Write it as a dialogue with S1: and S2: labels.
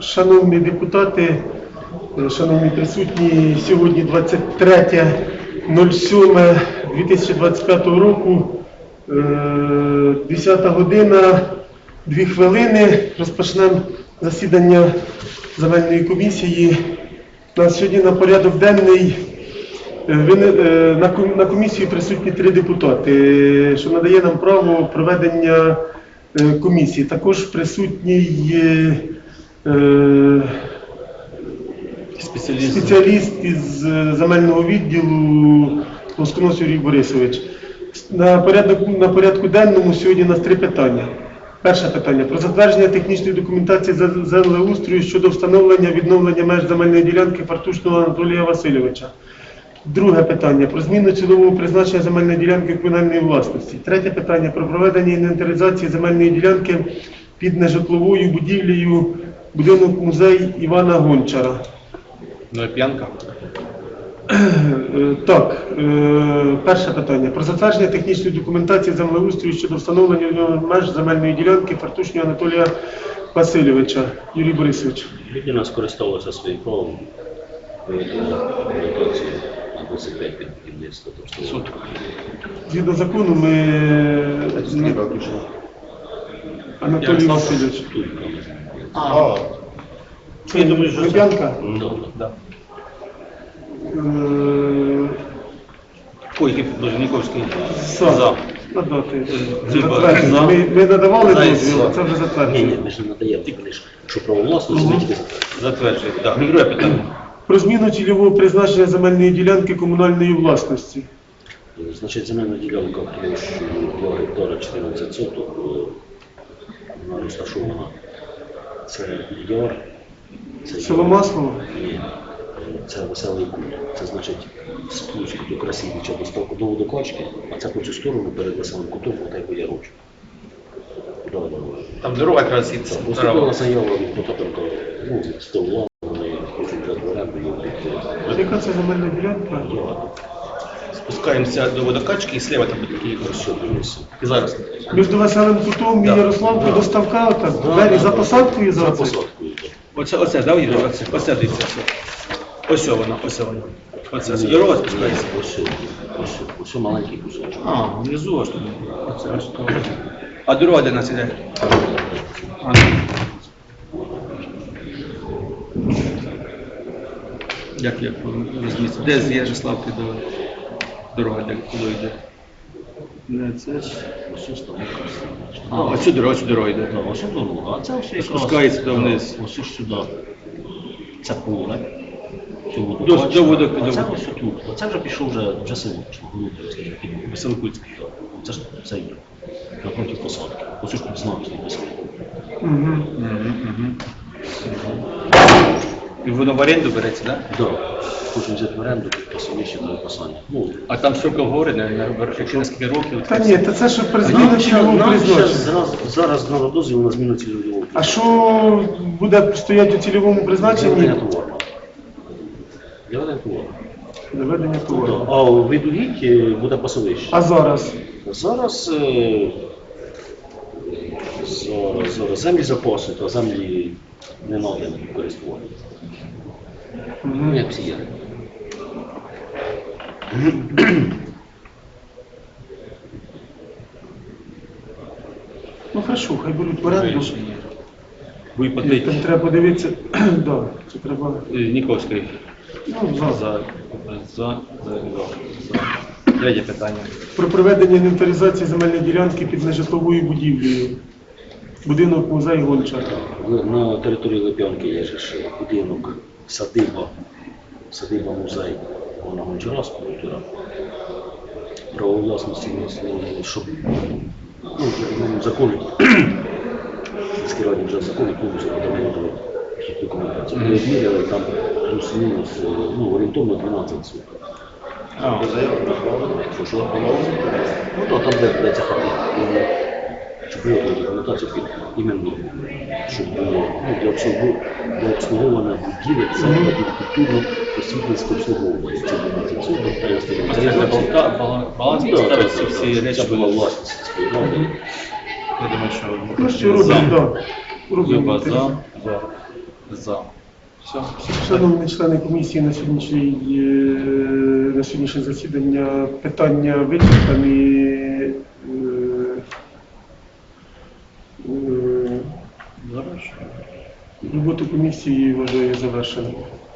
S1: Шановні депутати, шановні присутні, сьогодні 23.07.2025 року, 10 година, 2 хвилини. Розпочнемо засідання земельної комісії. У нас сьогодні на порядок денний на комісії присутні 3 депутати, що надає нам право проведення комісії. Також присутній спеціаліст із земельного відділу Лосконос Юрій Борисович. На порядку денному сьогодні у нас 3 питання. Перше питання. Про затвердження технічної документації землеустрою щодо встановлення відновлення меж земельної ділянки Фартушного Анатолія Васильовича. Друге питання. Про зміну цільового призначення земельної ділянки комунальної власності. Третє питання. Про проведення інвентаризації земельної ділянки під нежитловою будівлею будинок-музей Івана Гончара.
S2: Ну і п'янка.
S1: Так, перше питання. Про затвердження технічної документації землеустрою щодо встановлення меж земельної ділянки Фартушного Анатолія Васильовича. Юрій Борисович.
S3: Людина скористалася своїм правом проведення документації на 25 під будівництво.
S1: Згідно закону ми... Анатолій Васильович.
S3: Я думаю, що
S1: Лебянка?
S2: Да. Койки Должніковський.
S1: За. Надати.
S3: За.
S1: Ми надавали дозвіл, а це вже затверджено.
S3: Ні, ми ж не надаємо, ти кажеш, що право власності, ми тільки
S2: Затверджує. Так. Друге питання.
S1: Про зміну цільового призначення земельної ділянки комунальної власності.
S3: Значить, земельна ділянка площею 2 гектара 14 соток, вона розташована, це яр.
S1: Село Маслово?
S3: Ні, це Веселий Кут. Це значить спуск до Красівича до водокачки, а це по цю сторону перед Веселим Кутом, отай по ярочку.
S2: Там дорога краситься.
S3: Поступила заява від Потапенка, 100 влад, вони хочуть взяти в оренду і об'єкти.
S1: Яка це земельна ділянка?
S2: Спускаємося до водокачки і слева там буде такий
S3: Розсьоплюється.
S2: І зараз.
S1: Між Веселим Кутом і Ярославкою до ставка, так, двері за посадкою
S3: За
S1: зараз?
S3: посадкою.
S2: Оце, да, Юрій? Оце дивіться. Ось воно. Оце. Дорога спускається.
S3: Ось маленький кусочок.
S2: А, внизу аж там. Оце. А дорога де нас іде? Як розмістити? Де з Ярославки до дорога, де куди йде? Не, це ж...
S3: Ось там.
S2: Оцю дорогу йде.
S3: Ось дорога, а це все якраз...
S2: Спускається до вниз.
S3: Ось сюди. Це поле.
S2: До водокачки.
S3: А це ось тут. Це вже пішов вже село.
S2: Веселокутський.
S3: Це ж це є. Напроти посадки. Ось ж тут знак стоїть Веселокут.
S2: І воно в оренду береться, так?
S3: Так. Хочу взяти в оренду під пасовище для описання.
S2: А там строк говорить, якщо на скільки років?
S1: Та ні, це що при зміну цільового
S3: Нам
S1: призначення.
S3: зараз надо дозвіл на зміну цільового.
S1: А що буде стояти у цільовому призначенні?
S3: Для товару. Для товару.
S1: Доведення товару.
S3: А у Видугіть буде пасовище.
S1: А зараз?
S3: Зараз землі запаси, то землі не надані користування. Як всі є.
S1: Ну хорошо, хай беруть в оренду.
S2: Ви платить
S1: Там треба подивитися. Да, це треба.
S2: Ніковський.
S1: Ну,
S2: За. Третє питання.
S1: Про проведення інвентаризації земельної ділянки під нежитловою будівлею. Будинок музей Гончара.
S3: На території Лип'янки є ж будинок, садиба музей Івана Гончара, скульптура. Право власності, щоб закони, скеровані вже закони, повністю подаємо до документації. Ми відміряли там плюс-мінус, орієнтовно 12 суток. Що? Ну так, там де ця хата. Щоб було документацію під іменно, щоб було для обслуговування будівель, саме під культурно-просвітницьке обслуговування. Це 12 суток,
S2: Баланс поставиться всі речі.
S3: Це була власність спільноти.
S2: Я думаю, що
S1: Ну що робимо, так.
S2: Люба
S1: Робимо.
S2: за. За. Все.
S1: Шановні члени комісії, на сьогоднішнє засідання питання вичерпані. Роботу комісії вважаю завершеною.